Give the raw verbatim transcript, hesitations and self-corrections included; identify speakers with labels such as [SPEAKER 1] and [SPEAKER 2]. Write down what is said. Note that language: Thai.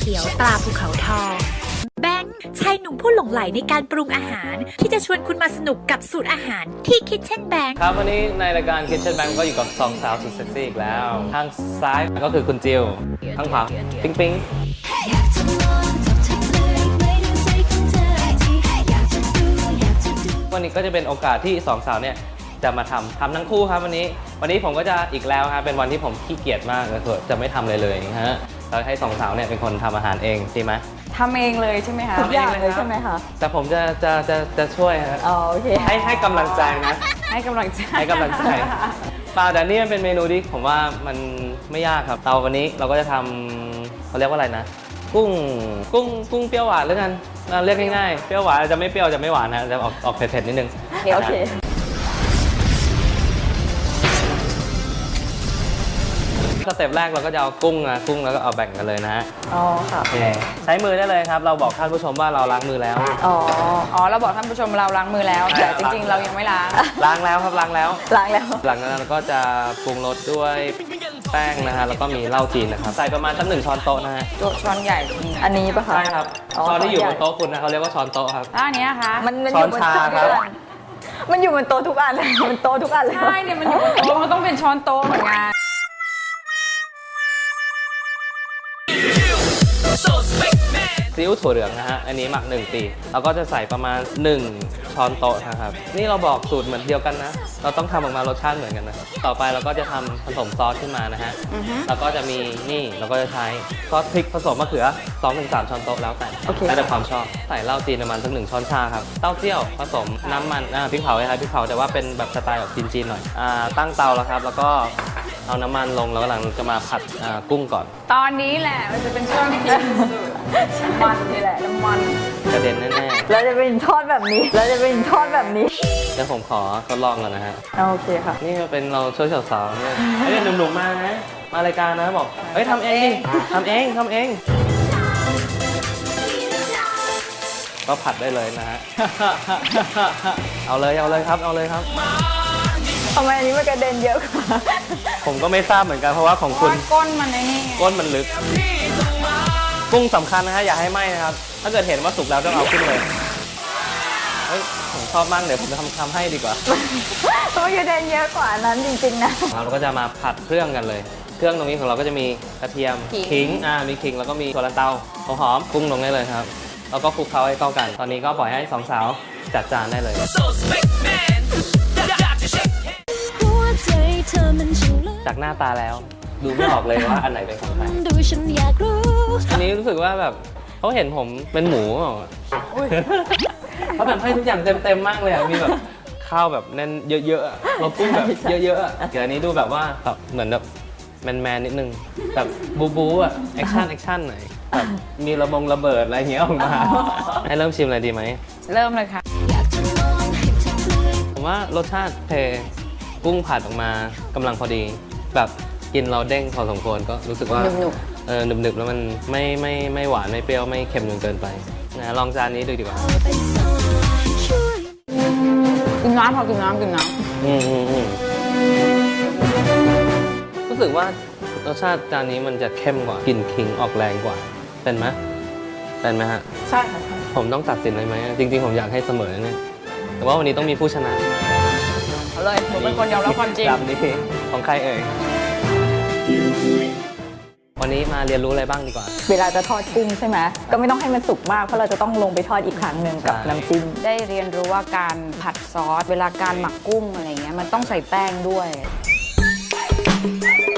[SPEAKER 1] ขียวตราภูเขาทองแบงค์ชายหนุ่มผู้หลงใหลในการปรุงอาหารที่จะชวนคุณมาสนุกกับสูตรอาหารที่ Kitchen Bank
[SPEAKER 2] ครับวันนี้ในรายการ Kitchen Bank ก็อยู่กับสองสาวสุดเซ็กซี่อีกแล้วทางซ้ายก็คือคุณจิวทางขวาปิ๊งปิ๊งวันนี้ก็จะเป็นโอกาสที่สองสาวเนี่ยจะมาทำทำทั้งคู่ครับวันนี้วันนี้ผมก็จะอีกแล้วครับเป็นวันที่ผมขี้เกียจมากเลยจะไม่ทำเลยเลยฮะเราให้สองสาวเนี่ยเป็นคนทำอาหารเองใช่ไหม
[SPEAKER 3] ทำเองเลยใช่ไหมคะ
[SPEAKER 2] ทุกอย่างเลยใช่ไหมคะแต่ผมจะจะจะจะช่วยฮะ
[SPEAKER 3] อ๋อโอเค
[SPEAKER 2] ให้ให้กำลังใจนะ
[SPEAKER 3] ให้กำลังใจ
[SPEAKER 2] ให้กำลังใจปลาแต่นี่มันเป็นเมนูที่ผมว่ามันไม่ยากครับเราวันนี้เราก็จะทำเขาเรียกว่าอะไรนะกุ้งกุ้งกุ้งเปรี้ยวหวานแล้วกันเรียกง่ายๆเปรี้ยวหวานจะไม่เปรี้ยวจะไม่หวานนะจะออกออกเผ็ดๆนิดนึง
[SPEAKER 3] โอเคโอเค
[SPEAKER 2] สเต็ปแรกเราก็จะเอากุ้งนะกุ้งแล้วก็เอาแบ่งกันเลยนะฮะ
[SPEAKER 3] อ๋อค่ะ
[SPEAKER 2] ใช้มือได้เลยครับเราบอกท่านผู้ชมว่าเราล้างมือแล้ว
[SPEAKER 3] อ๋ออ๋อเราบอกท่านผู้ชมเราล้างมือแล้วแต่จริงๆเรายังไม่ล้าง
[SPEAKER 2] ล้างแล้วครับล้างแล้ว
[SPEAKER 3] ล้างแล้ว
[SPEAKER 2] หลังจากนั้นเราก็จะปรุงรสด้วยแป้งนะฮะแล้วก็มีเหล้าจีนนะครับใส่ประมาณสักหนึ่งช้อนโต๊ะนะฮะ
[SPEAKER 3] ช้อนใหญ่อันนี้ปะคะ
[SPEAKER 2] ใช่ครับช้อนที่อยู่บนโต๊ะคุณนะเขาเรียกว่าช้อนโต๊ะครับ
[SPEAKER 3] อันนี้คะ
[SPEAKER 2] มันช้อนชาครับ
[SPEAKER 3] มันอยู่บนโต๊ะทุกอันมันโต๊ะทุกอันเลยใช่เนี่ยมันอยู่บนโต๊ะมันต้องเป็นช้อนโต๊ะเหมือนกัน
[SPEAKER 2] ซีอิ๊วถั่วเหลืองนะฮะอันนี้หมักหนึ่งปีเราก็จะใส่ประมาณหนึ่งช้อนโต๊ะนะครับนี่เราบอกสูตรเหมือนเดียวกันนะเราต้องทำออกมารสชาติเหมือนกันนะครับต่อไปเราก็จะทำผสมซอสขึ้นมานะฮะแล้วก็จะมีนี่เราก็จะใช้ซอสพริกผสมมะเขือ สองถึงสาม ช้อนโต๊ะแล้วแต่แล้วแต่ความชอบใส่เหล้าจีนประมาณสักหนึ่งช้อนชาครับเต้าเจี้ยวผสมน้ำมันอ่าพริกเผาคล้ายๆพริกเผาแต่ว่าเป็นแบบสไตล์แบบจีนๆหน่อยอ่าตั้งเตาแล้วครับแล้วก็เอาน้ำมันลงแล้วกำลังจะมาผัดกุ้งก่อน
[SPEAKER 3] ตอนนี้แหละมันจะเป็นช่วงที่กินมันนี่แหละน้ำมัน
[SPEAKER 2] กระเด็นแน่
[SPEAKER 3] ๆแล้วจะเป็นทอดแบบนี้แล้วจะเป็นทอดแบบนี้
[SPEAKER 2] เดี๋ยวผมขอทดลองก่อนนะฮะ
[SPEAKER 3] โอเคค่ะ
[SPEAKER 2] นี่เป็นเราช่วยสาวๆเนี่ยไอ้เนี่ยหนุ่มๆมานะมารายการนะบอกเฮ้ยทำเองทำเองทำเองก็ผัดได้เลยนะฮะเอาเลยเอาเลยครับเอาเลยครับ
[SPEAKER 3] ทำไมอันนี้มันกระเด็นเยอะกว่า
[SPEAKER 2] ผมก็ไม่ทราบเหมือนกันเพราะว่าของคุณ
[SPEAKER 3] ก้นมันไอ้นี่
[SPEAKER 2] ก้นมันลึกกุ้งสำคัญนะฮะอย่าให้ไหม้นะครับถ้าเกิดเห็นว่าสุกแล้วต้องเอาขึ้นเลยเฮ้ยผมชอบมากเดี๋ยวผมจะทำทำให้ดีกว่า
[SPEAKER 3] เพราะกระเด็นเยอะกว่านั้นจริงๆนะ
[SPEAKER 2] เราก็จะมาผัดเครื่องกันเลยเครื่องตรงนี้ของเราก็จะมีกระเทียมขิงอ่ามีขิงแล้วก็มีถั่วลันเตาหอมกุ้งลงได้เลยครับแล้วก็คลุกเคล้าให้เข้ากันตอนนี้ก็ปล่อยให้สองสาวจัดจานได้เลยจากหน้าตาแล้วดูไม่ออกเลยว่าอันไหนเป็นของใครอันนี้รู้สึกว่าแบบเขาเห็นผมเป็นหมูเขาแบบให้ทุกอย่างเต็มๆมากเลยอ่ะมีแบบข้าวแบบแน่นเยอะๆเรากุ้งแบบเยอะๆเดี๋ยวอันนี้ดูแบบว่าแบบเหมือนแบบแมนๆนิดนึงแบบบูบูอ่ะแอคชั่นแอคชั่นหน่อยแบบมีระบงระเบิดอะไรเงี้ยออกมาให้เริ่มชิมอะไรดีไหม
[SPEAKER 3] เริ่มเลยค่ะ
[SPEAKER 2] ผมว่ารสชาติเทกุ้งผัดออกมากำลังพอดีแบบกินเราเด้งพอสมควรก็รู้สึกว่าเออหนึบๆแล้วมันไม่ไม่ไม่หวานไม่เปรี้ยวไม่เค็มจนเกินไปนะลองจานนี้ดูดีกว่า
[SPEAKER 3] กินน้ำพอกินน้ำกินน้
[SPEAKER 2] ำอืมอืมอืมรู้สึกว่ารสชาติจานนี้มันจะเข้มกว่ากลิ่นขิงออกแรงกว่าเป็นไหมเป็นไหมฮะ
[SPEAKER 3] ใช่ค่ะ
[SPEAKER 2] ผมต้องตัดสินเลยไหมจริงๆผมอยากให้เสมอเนี่ยแต่ว่าวันนี้ต้องมีผู้ชนะ
[SPEAKER 3] เอาเลยผมเป็นคนยอมรับความจริง
[SPEAKER 2] จำนี้ของใครเอ่ยวันนี้มาเรียนรู้อะไรบ้างดีกว่า
[SPEAKER 3] เวลาจะทอดกุ้งใช่ไหมก็ไม่ต้องให้มันสุกมากเพราะเราจะต้องลงไปทอดอีกครั้งหนึ่งกับน้ำจิ้มได้เรียนรู้ว่าการผัดซอสเวลาการหมักกุ้งอะไรเงี้ยมันต้องใส่แป้งด้วย